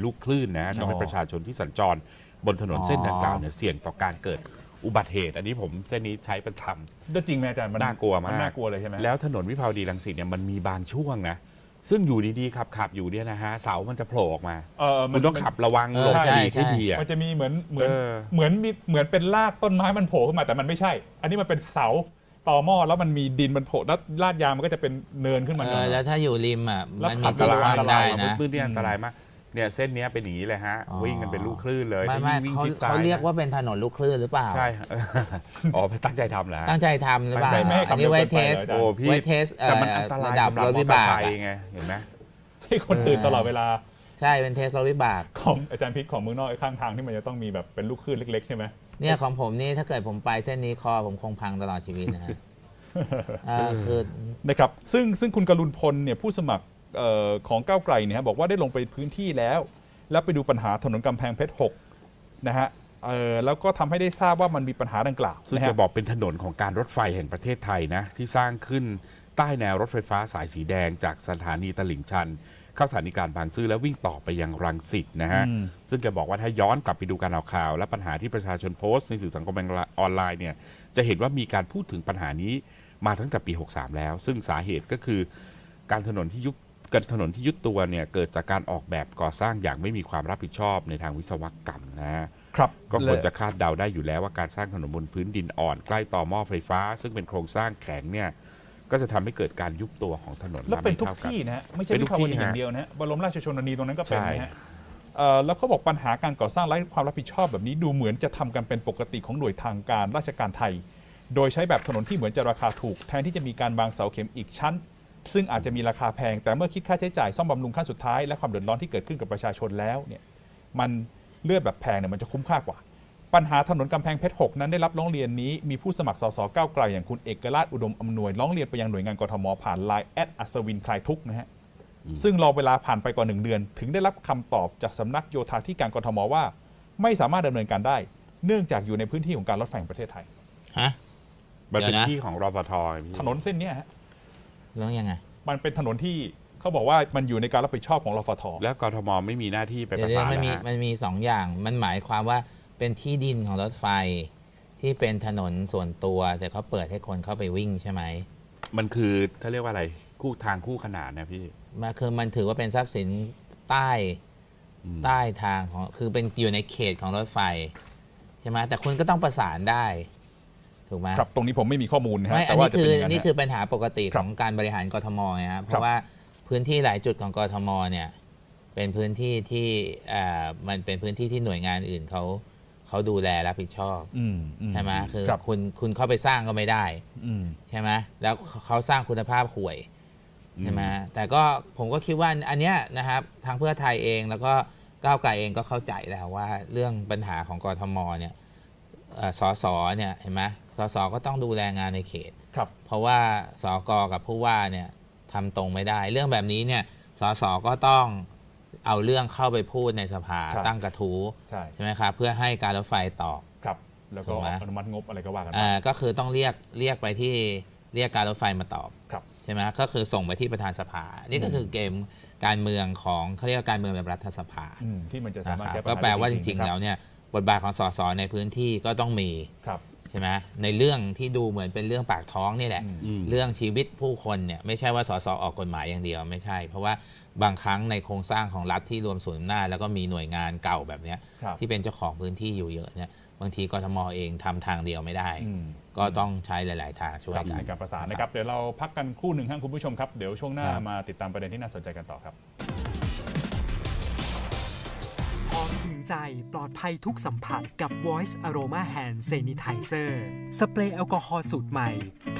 ลูกคลื่นนะทำให้ประชาชนที่สัญจรบนถนนเส้นดังกล่าวเนี่ยเสี่ยงต่อการเกิดอุบัติเหตุอันนี้ผมเส้นนี้ใช้ประจำจริงไหมอาจารย์มันน่ากลัวมากน่ากลัวเลยใช่ไหมแล้วถนนวิภาวดีรังสิตเนี่ยมันมีบางช่วงนะซึ่งอยู่ดีๆขับอยู่เนี่ยนะฮะเสามันจะโผล่ออกมาคุณต้องขับระวังหลบหลีกให้ดีอ่ะมันจะมีเหมือนเป็นรากต้นไม้มันโผล่ขึ้นมาแต่มันไม่ใช่อันนี้มันเป็นเสาต่อหม้อแล้วมันมีดินมันโผล่แล้วลาดยางมันก็จะเป็นเนินขึ้นมาแล้วถ้าอยู่ริมอ่ะมันมีอันตรายได้นะพื้นที่อันตรายมากเนี่ยเส้นนี้เป็นอย่างนี้เลยฮะวิ่งกันเป็นลูกคลื่นเลยไม่เขาเรียกว่าเป็นถนนลูกคลื่นหรือเปล่าใช่อ๋อตั้งใจทำเหรอตั้งใจทำหรือเปล่าอันนี้ไว้เทสโอ้พี่ไว้เทสแต่มันอันตรายระดับรถวิบากไงเห็นไหมให้คนตื่นตลอดเวลาใช่เป็นเทสรถวิบากของอาจารย์พิษของเมืองนอกข้างทางที่มันจะต้องมีแบบเป็นลูกคลื่นเล็กๆใช่ไหมเนี่ยของผมนี่ถ้าเกิดผมไปเส้นนี้คอผมคงพังตลอดชีวิตนะฮะคือนะครับซึ่งคุณกรุณพลเนี่ยผู้สมัครของก้าวไกลเนี่ยบอกว่าได้ลงไปพื้นที่แล้วไปดูปัญหาถนนกำแพงเพชร6นะฮะแล้วก็ทำให้ได้ทราบว่ามันมีปัญหาดังกล่าวซึ่งจะบอกเป็นถนนของการรถไฟแห่งประเทศไทยนะที่สร้างขึ้นใต้แนวรถไฟฟ้าสายสีแดงจากสถานีตลิ่งชันเข้าสถานีกลางบางซื่อแล้ววิ่งต่อไปยังรังสิตนะฮะซึ่งแกบอกว่าถ้าย้อนกลับไปดูการเอาข่าวและปัญหาที่ประชาชนโพสต์ในสื่อสังคมออนไลน์เนี่ยจะเห็นว่ามีการพูดถึงปัญหานี้มาตั้งแต่ปี63แล้วซึ่งสาเหตุก็คือการถนนที่ยุบตัวเนี่ยเกิดจากการออกแบบก่อสร้างอย่างไม่มีความรับผิดชอบในทางวิศวกรรมนะครับก็ควรจะคาดเดาได้อยู่แล้วว่าการสร้างถนนบนพื้นดินอ่อนใกล้ต่อหม้อไฟฟ้าซึ่งเป็นโครงสร้างแข็งเนี่ยก็จะทำให้เกิดการยุบตัวของถนนแล้วเป็นทุกที่นะฮะไม่ใช่วิภาวดีอย่างเดียวนะฮะบรมราชชนนีตรงนั้นก็เป็นนะฮะแล้วเขาบอกปัญหาการก่อสร้างไร้ความรับผิดชอบแบบนี้ดูเหมือนจะทำกันเป็นปกติของหน่วยทางการราชการไทยโดยใช้แบบถนนที่เหมือนจะราคาถูกแทนที่จะมีการวางเสาเข็มอีกชั้นซึ่งอาจจะมีราคาแพงแต่เมื่อคิดค่าใช้จ่ายซ่อมบำรุงขั้นสุดท้ายและความเดือดร้อนที่เกิดขึ้นกับประชาชนแล้วเนี่ยมันเลือดแบบแพงเนี่ยมันจะคุ้มค่ากว่าปัญหาถนนกำแพงเพชร6นั้นได้รับร้องเรียนนี้มีผู้สมัครสสก้าวไกลอย่างคุณเอกราชอุดมอำนวยร้องเรียนไปยังหน่วยงานกทมผ่านไลน์@อัศวินคลายทุกข์นะฮะซึ่งรอเวลาผ่านไปกว่า1 เดือนถึงได้รับคำตอบจากสำนักโยธาธิการกทมว่าไม่สามารถดำเนินการได้เนื่องจากอยู่ในพื้นที่ของการรถไฟแห่งประเทศไทยมันเป็นที่ของรฟท. ถนนเส้นนี้ฮะแล้วยังไงมันเป็นถนนที่เขาบอกว่ามันอยู่ในการรับผิดชอบของรฟท. แล้วกทมไม่มีหน้าที่ไปประสานมันมี2 อย่างมันหมายความว่าเป็นที่ดินของรถไฟที่เป็นถนนส่วนตัวแต่เขาเปิดให้คนเข้าไปวิ่งใช่ไหมมันคือเขาเรียกว่าอะไรคู่ขนานนะพี่มันถือว่าเป็นทรัพย์สินใต้ทางของคือเป็นอยู่ในเขตของรถไฟใช่ไหมแต่คุณก็ต้องประสานได้ถูกไหมครับตรงนี้ผมไม่มีข้อมูลนะแต่ว่านี่คือปัญหาปกติของการบริหารกทมนะครับเพราะว่าพื้นที่หลายจุดของกทมเนี่ยเป็นพื้นที่ที่มันเป็นพื้นที่ที่หน่วยงานอื่นเขาดูแลรับผิดชอบใช่ไหมคือคุณเข้าไปสร้างก็ไม่ได้ใช่ไหมแล้วเขาสร้างคุณภาพห่วยใช่ไหมแต่ก็ผมก็คิดว่าอันเนี้ยนะครับทางเพื่อไทยเองแล้วก็ก้าวไกลเองก็เข้าใจแล้วว่าเรื่องปัญหาของกทมเนี่ยสสเนี่ยเห็นไหมสสก็ต้องดูแลงานในเขตเพราะว่าสกกับผู้ว่าเนี่ยทำตรงไม่ได้เรื่องแบบนี้เนี่ยสสก็ต้องเอาเรื่องเข้าไปพูดในสภาตั้งกระทู้ใช่ไหมครับเพื่อให้การรถไฟตอบครับแล้วก็อนุมัติงบอะไรก็ว่ากันก็คือต้องเรียกไปที่เรียกการรถไฟมาตอบใช่ไหมก็คือส่งไปที่ประธานสภานี่ก็คือเกมการเมืองของเขาเรียกการเมืองแบบรัฐสภาที่มันจะสามารถแก้ปัญหาก็แปลว่าจริงๆแล้วเนี่ยบทบาทของสสในพื้นที่ก็ต้องมีใช่ไหมในเรื่องที่ดูเหมือนเป็นเรื่องปากท้องนี่แหละเรื่องชีวิตผู้คนเนี่ยไม่ใช่ว่าสสออกกฎหมายอย่างเดียวไม่ใช่เพราะว่าบางครั้งในโครงสร้างของรัฐที่รวมศูนย์อำนาจแล้วก็มีหน่วยงานเก่าแบบนี้ที่เป็นเจ้าของพื้นที่อยู่เยอะเนี่ยบางทีกทมเองทำทางเดียวไม่ได้ก็ต้องใช้หลายๆทางช่วยกันในการประสานนะครับเดี๋ยวเราพักกันครู่หนึ่งครับคุณผู้ชมครับเดี๋ยวช่วงหน้ามาติดตามประเด็นที่น่าสนใจกันต่อครับหอมถึงใจปลอดภัยทุกสัมผัสกับ Voice Aroma Hand Sanitizer สเปรย์แอลกอฮอล์สูตรใหม่